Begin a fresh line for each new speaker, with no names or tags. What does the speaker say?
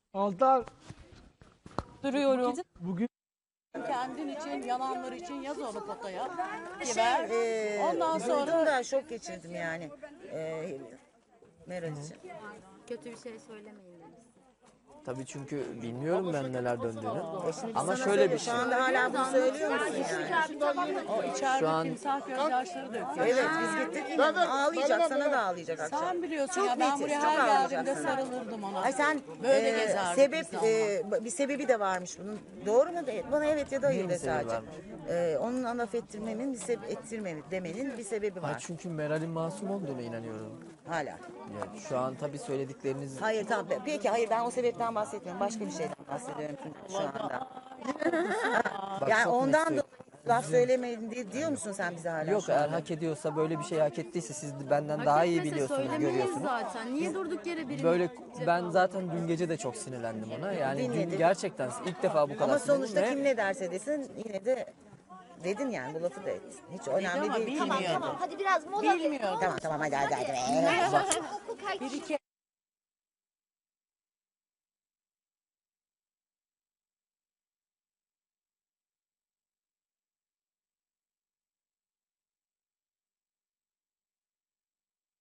Altar
Duruyorum.
bugün
Kendin için, yalanlar için yaz onu potaya. Ver. Ondan
Duydum
sonra
da şok geçirdim yani. Meral için.
Kötü bir şey söylemeyin demişsin.
Tabii çünkü bilmiyorum ben neler döndüğünü.
Şimdi
Ama
sana
şöyle bir
söylüyor,
şey.
Şu anda hala bunu söylüyor musun yani?
o içeride
Şu an-
timsah gözyaşları döküyor.
Evet biz gittik yine ağlayacak, sana da ağlayacak akşam.
Sen biliyorsun
Çok
ya ben
netiz,
buraya
çok
her
ağlayacak
geldiğimde
sana.
sarılırdım ona.
Ay sen
Böyle gezerdik
sebep
biz ama.
bir sebebi de varmış bunun. Doğru mu değil? Bana evet ya da hayır
Neyin
de
sebebi
sadece.
varmış?
Onun laf ettirmenin bir sebep ettirmemin demenin bir sebebi
Ay
var.
çünkü Meral'in masum olduğuna inanıyorum.
Hala.
Yani şu an tabii söyledikleriniz
Hayır tamam. Peki hayır ben o sebepten bahsetmiyorum. Başka bir şeyden bahsediyorum şu anda.
bak
Yani
çok
ondan
net
da laf söylemeyin diyor musun sen bize hala?
yok
şu
eğer
anda?
hak ediyorsa böyle bir şey hak ettiyse siz de benden
Hak
daha iyi
etmese
biliyorsunuz,
söylemeliyiz
görüyorsunuz.
zaten. Niye durduk yere birini
Böyle ben zaten dün gece de çok sinirlendim ona. Yani
Dinledim.
dün gerçekten ilk defa bu kadar
Ama
sinirlendim
sonuçta
ve
kim ne derse desin yine de dedin yani bu lafı da et. Hiç önemli
ama
değil.
bilmiyordu.
Hadi biraz mola.
Bilmiyordu.
Tamam hadi.
Hukuk
Bir iki